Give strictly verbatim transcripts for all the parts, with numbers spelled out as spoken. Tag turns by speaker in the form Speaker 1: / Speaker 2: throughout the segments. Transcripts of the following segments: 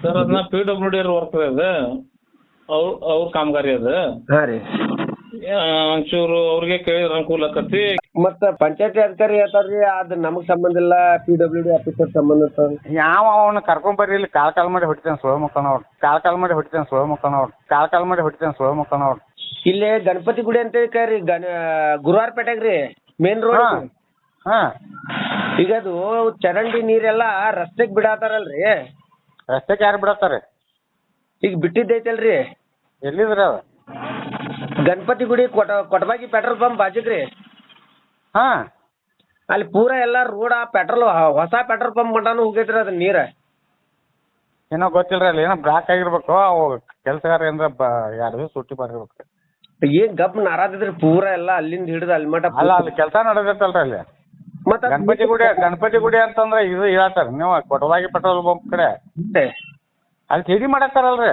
Speaker 1: Sir ಅದನ್ನ P W D work ಅದು ಅವ್ರ ಅವ್ರ ಕಾಮಗಾರಿ ಅದು
Speaker 2: ಹಾ ರೀ.
Speaker 1: ಆ, ಒಂಚೂರು ಅವ್ರಿಗೆ ಕೇಳಿದ್ರೆ ಅನುಕೂಲ ಆಕತಿ.
Speaker 2: ಮತ್ತ ಪಂಚಾಯತಿ ಅಧಿಕಾರಿ ಹೇಳ್ತಾರ್ರಿ ಅದ್ ನಮಗ್ ಸಂಬಂಧ ಇಲ್ಲ, ಪಿ ಡಬ್ಲ್ಯೂ ಡಿ ಆಫೀಸರ್ ಸಂಬಂಧ ಇರ್ತಾವ.
Speaker 3: ಯಾವ ಅವನ್ನ ಕರ್ಕೊಂಡ್ ಬರ್ರಿ ಇಲ್ಲಿ ಕಾಲ್ ಕಾಲ್ ಮಾಡಿ ಹೊಡಿತೇನೆ ಸೋಳ ಮುಕ್ಕನ ಅವ್ರು ಕಾಲ್ ಕಾಲ್ ಮಾಡಿ ಹೊಡಿತೇನೆ ಸೋಳ ಮುಕ್ಕನ ಅವ್ರು ಕಾಲ್ ಕಾಲ್ ಮಾಡಿ ಹೊಡಿತೇನೆ ಸೋಳ ಮುಕ್ಕನ ಅವ್ರು.
Speaker 2: ಇಲ್ಲಿ ಗಣಪತಿ ಗುಡಿ ಅಂತ ಕರಿ ಗಣ ಗುರುವಾರಪೇಟೆಗ್ ರೀ ಮೇನ್ ರೋಡ್.
Speaker 3: ಹಾ ಹಾ
Speaker 2: ಈಗ ಅದು ಚರಂಡಿ ನೀರೆಲ್ಲ ರಸ್ತೆಗ್ ಬಿಡಾತಾರಲ್ರಿ,
Speaker 3: ರಸ್ತೆಗೆ ಯಾರು ಬಿಡತ್ತಾರೆ?
Speaker 2: ಈಗ ಬಿಟ್ಟಿದ್ದೈತಲ್ರಿ
Speaker 3: ಎಲ್ಲಿದ್ರಿ ಅದು?
Speaker 2: ಗಣಪತಿ ಗುಡಿ ಕೊಟ ಕೊಟಬಾಗಿ ಪೆಟ್ರೋಲ್ ಪಂಪ್ ಬಾಜುಗ್ರಿ.
Speaker 3: ಹಾ
Speaker 2: ಅಲ್ಲಿ ಪೂರಾ ಎಲ್ಲ ರೋಡ್ ಆ ಪೆಟ್ರೋಲ್ ಹೊಸ ಪೆಟ್ರೋಲ್ ಪಂಪ್ ಮಟಾನು ಹೋಗೈತ್ರಿ ಅದ್ ನೀರ.
Speaker 3: ಏನೋ ಗೊತ್ತಿಲ್ರಿ ಅಲ್ಲಿ ಏನೋ ಬ್ಲಾಕ್ ಆಗಿರ್ಬೇಕು. ಅವು ಕೆಲಸಗಾರ ಏನಾರ ಬ ಎರಡು ದಿವಸ ಸುಟ್ಟಿ ಮಾಡಿರ್ಬೇಕು.
Speaker 2: ಏನ್ ಗಪ್ ನಾರಾದಿದ್ರಿ ಪೂರಾ ಎಲ್ಲ ಅಲ್ಲಿಂದ ಹಿಡಿದು ಅಲ್ಲಿ ಮಟ.
Speaker 3: ಅಲ್ಲ ಅಲ್ಲಿ ಕೆಲಸ ನಡೆದೈತಲ್ರಿ ಅಲ್ಲಿ
Speaker 2: ಮತ್ತ
Speaker 3: ಗಣಪತಿ ಗುಡಿ. ಗಣಪತಿ ಗುಡಿ ಅಂತಂದ್ರೆ ಇದು ಹೇಳ್ತಾರೆ ನೀವು ಕೊಟವಾಗಿ ಪೆಟ್ರೋಲ್ ಬಂಪ್ ಕಡೆ ಅಲ್ಲಿ ತಿಡಿ ಮಾಡತ್ತಾರಲ್ರಿ.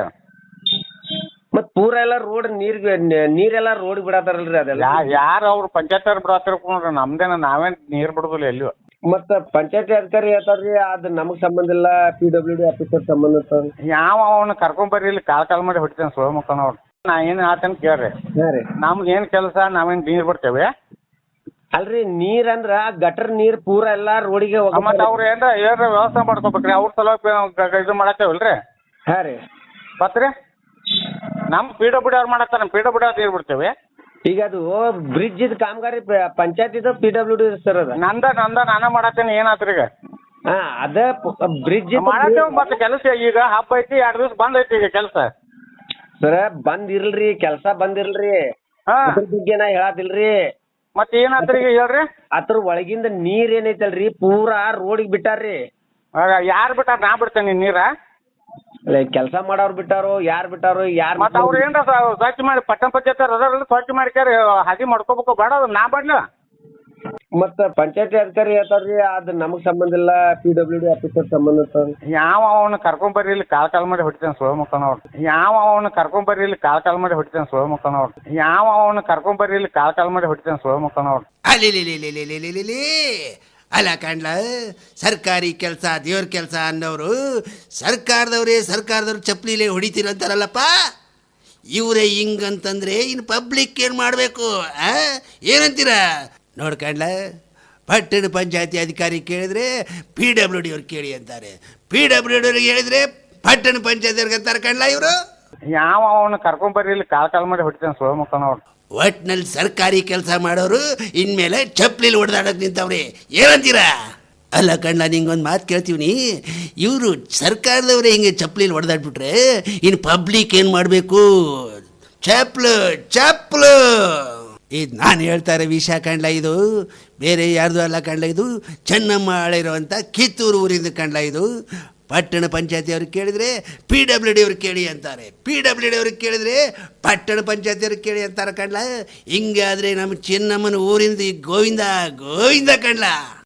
Speaker 2: ಮತ್ ಪೂರಾ ಎಲ್ಲ ರೋಡ್ ನೀರ್ ನೀರೆಲ್ಲ ರೋಡ್ ಬಿಡತಾರಲ್ರಿ ಅದೆಲ್ಲ.
Speaker 3: ಯಾ ಯಾರು ಅವ್ರು ಪಂಚಾಯತ್ ಅವ್ರು ಬಿಡತ್ತಿರ್ಕೊಂಡ್ರಿ, ನಮ್ದೇನ ನಾವೇನ್ ನೀರ್ ಬಿಡುದಿಲ್ಲ ಎಲ್ಲಿಯೂ.
Speaker 2: ಮತ್ತ ಪಂಚಾಯತಿ ಅಧಿಕಾರಿ ಹೇಳ್ತಾರ್ರಿ ಅದ್ ನಮಗ್ ಸಂಬಂಧ ಇಲ್ಲ, ಪಿ ಡಬ್ಲ್ಯೂ ಡಿ ಆಫೀಸರ್ ಸಂಬಂಧ ಇರ್ತಾವ.
Speaker 3: ಯಾವ ಅವನ್ನ ಕರ್ಕೊಂಡ್ ಬರ್ರಿ ಇಲ್ಲಿ ಕಾಲ್ ಕಾಲ್ ಮಾಡಿ ಹೊಡಿತೇನೆ ಸೋಳ ಮುಕ್ಕನ ಅವ್ರು. ನಾ ಏನ್ ಹೇಳ್ತೇನೆ ಕೇಳ್ರಿ.
Speaker 2: ಹಾ ರೀ.
Speaker 3: ನಮ್ದು ಏನ್ ಕೆಲಸ, ನಾವೇನ್ ನೀರ್ ಬಿಡ್ತೇವೆ.
Speaker 2: ಅಲ್ರಿ ನೀರ್ ಅಂದ್ರ ಗಟರ್ ನೀರ್ ಪೂರಾ ಎಲ್ಲಾ ರೋಡಿಗೆ
Speaker 3: ಮತ್ತ ಅವ್ರ ಏನ್ರ ಏನ್ರ ವ್ಯವಸ್ಥೆ ಮಾಡ್ಕೋಬೇಕ್ರಿ. ಅವ್ರ ಸಲುವಾಗಿ ಇದು ಮಾಡತ್ತೇವಲ್ರಿ.
Speaker 2: ಹಾ ರೀ.
Speaker 3: ಮತ್ರಿ ನಮ್ ಪಿ ಡಬ್ಲ್ಯೂ ಅವ್ರು ಮಾಡತ್ತಾರ, ಪಿ ಡಬ್ಲ್ಯೂ ಅವ್ರು ನೀರ್ ಬಿಡ್ತೇವೆ.
Speaker 2: ಈಗ ಅದು ಬ್ರಿಡ್ಜ್ ಇದ್ ಕಾಮಗಾರಿ ಪಂಚಾಯತ್ ಇದು ಪಿ ಡಬ್ಲ್ಯೂ ಡಿ ಸರ್ ಅದ.
Speaker 3: ನಂದ ನಂದ ನಾನ ಮಾಡತ್ತೇನೆ. ಏನಾತ್ರಿ ಈಗ?
Speaker 2: ಹಾ ಅದ ಬ್ರಿಡ್ಜ್
Speaker 3: ಮಾಡತ್ತೇವ. ಮತ್ತೆ ಕೆಲಸ ಈಗ ಹಬ್ಬ ಐತಿ, ಎರಡು ದಿವಸ ಬಂದ್ ಐತಿ ಈಗ ಕೆಲಸ.
Speaker 2: ಸರ ಬಂದ್ ಇರ್ಲ್ರಿ, ಕೆಲ್ಸ ಬಂದಿರ್ಲ್ರಿ.
Speaker 3: ಹಾ
Speaker 2: ಅದ್ರ ಬಗ್ಗೆ ನಾ ಹೇಳತಿಲ್ರಿ.
Speaker 3: ಮತ್ತೆ ಏನಾತ್ರಿ ಈಗ ಹೇಳ್ರಿ?
Speaker 2: ಅದ್ರ ಒಳಗಿಂದ ನೀರ್ ಏನೈತಲ್ರಿ ಪೂರಾ ರೋಡಿಗೆ ಬಿಟ್ಟಾರ್ರಿ.
Speaker 3: ಯಾರು ಬಿಟ್ಟಾರ? ನಾ ಬಿಡ್ತೇನೆ ನೀರ?
Speaker 2: ಕೆಲಸ ಮಾಡೋರ್ ಬಿಟ್ಟಾರೋ ಯಾರ್ ಬಿಟ್ಟಾರೋ ಯಾರ್.
Speaker 3: ಮತ್ತ ಅವ್ರ ಏನ್ರ ಸ್ವಚ್ಛ ಮಾಡಿ ಪಟ್ಟಣ ಪಂಚಾಯತ್ ಅದ್ರಲ್ಲಿ ಸ್ವಚ್ಛ ಮಾಡ್ಕ್ಯಾರ ಹಾದಿ ಮಾಡ್ಕೋಬೇಕು ಬೇಡ ನಾ ಬರ್ಲ.
Speaker 2: ಮತ್ತ ಪಂಚಾಯತಿ ಅಧಿಕಾರಿ ಹೇಳ್ತಾರ್ರಿ ಅದ್ ನಮಗ್ ಸಂಬಂಧ ಇಲ್ಲ, ಪಿ ಡಬ್ಲ್ಯೂ ಡಿ ಆಫೀಸರ್ ಸಂಬಂಧ ಇರ್ತಾವ.
Speaker 3: ಯಾವ ಅವನ್ನ ಕರ್ಕೊಂಡ್ ಬರ್ರಿ ಇಲ್ಲಿ ಕಾಲ್ ಕಾಲ್ ಮಾಡಿ ಹೊಡಿತೇನೆ ಸೋಳ ಮುಕ್ಕನ ಅವ್ರು. ಯಾವ ಅವನ್ನ ಕರ್ಕೊಂಡ್ ಬರ್ರಿ ಇಲ್ಲಿ ಕಾಲ್ ಕಾಲ್ ಮಾಡಿ ಹೊಡಿತೇನೆ ಸೋಳ ಮುಕ್ಕನ ಅವ್ರು. ಯಾವ ಅವನ್ನ ಕರ್ಕೊಂಡ್ ಬರ್ರಿ ಇಲ್ಲಿ ಕಾಲ್ ಕಾಲ್ ಮಾಡಿ ಹೊಡಿತೇನೆ ಸೋಳ ಮುಕ್ಕನ ಅವ್ರು.
Speaker 4: ಅಲಿಲಿಲಿಲಿಲಿಲಿಲಿಲಿ ಅಲ್ಲ ಕಂಡ್ಲ, ಸರ್ಕಾರಿ ಕೆಲಸ ದೇವ್ರ ಕೆಲಸ ಅನ್ನೋರು ಸರ್ಕಾರದವ್ರೇ ಸರ್ಕಾರದವ್ರು ಚಪ್ಪಲಿಲೇ ಹೊಡಿತೀರಂತಾರಲ್ಲಪ್ಪ. ಇವರೇ ಹಿಂಗಂತಂದ್ರೆ ಇನ್ನು ಪಬ್ಲಿಕ್ ಏನು ಮಾಡಬೇಕು? ಏನಂತೀರ ನೋಡ್ಕಂಡ್ಲ, ಪಟ್ಟಣ ಪಂಚಾಯತಿ ಅಧಿಕಾರಿ ಕೇಳಿದ್ರೆ ಪಿ ಡಬ್ಲ್ಯೂ ಡಿ ಅವ್ರು ಕೇಳಿ ಅಂತಾರೆ, ಪಿ ಡಬ್ಲ್ಯೂ ಡಿ ಅವ್ರಿಗೆ ಹೇಳಿದ್ರೆ ಪಟ್ಟಣ ಪಂಚಾಯತಿ ಅವ್ರಿಗೆ ಅಂತಾರೆ ಕಂಡ್ಲ ಇವರು.
Speaker 3: ಯಾವ ಅವನ್ನ ಕರ್ಕೊಂಡ್ ಬರ್ರಿ ಇಲ್ಲಿ ಕಾಲ್ ಕಾಲ್ ಮಾಡಿ ಹೊಡಿತೇನೆ ಸೋಳ ಮುಕ್ಕನ ಅವ್ರು.
Speaker 4: ಒಟ್ನಲ್ಲಿ ಸರ್ಕಾರಿ ಕೆಲಸ ಮಾಡೋರು ಇನ್ಮೇಲೆ ಚಪ್ಪಲಿಲಿ ಹೊಡೆದಾಡಕ್ ನಿಂತವ್ರಿ. ಏನಂತೀರಾ? ಅಲ್ಲ ಕಣ್ಣ, ನಿಂಗೊಂದು ಮಾತು ಕೇಳ್ತೀವಿ. ಇವರು ಸರ್ಕಾರದವರೇ ಹಿಂಗೆ ಚಪ್ಪಲಿಲಿ ಹೊಡೆದಾಡ್ಬಿಟ್ರೆ ಇನ್ನು ಪಬ್ಲಿಕ್ ಏನು ಮಾಡಬೇಕು? ಚಪ್ಲು ಚಪ್ಲು. ಇದು ನಾನು ಹೇಳ್ತಾರೆ ವಿಷಯ ಕಂಡ್ಲ, ಇದು ಬೇರೆ ಯಾರ್ದು ಅಲ್ಲ ಕಂಡ್ಲ, ಇದು ಚೆನ್ನಮ್ಮ ಆಳಿರುವಂಥ ಕಿತ್ತೂರು ಊರಿಂದ ಕಂಡ್ಲ. ಇದು ಪಟ್ಟಣ ಪಂಚಾಯತಿ ಅವ್ರಿಗೆ ಕೇಳಿದರೆ ಪಿ ಡಬ್ಲ್ಯೂ ಡಿ ಅವ್ರಿಗೆ ಕೇಳಿ ಅಂತಾರೆ, ಪಿ ಡಬ್ಲ್ಯೂ ಡಿ ಅವ್ರಿಗೆ ಕೇಳಿದರೆ ಪಟ್ಟಣ ಪಂಚಾಯತಿ ಅವ್ರಿಗೆ ಕೇಳಿ ಅಂತಾರೆ ಕಂಡ್ಲ. ಹಿಂಗಾದರೆ ನಮ್ಮ ಚೆನ್ನಮ್ಮನ ಊರಿಂದ ಗೋವಿಂದ ಗೋವಿಂದ ಕಂಡ್ಲ.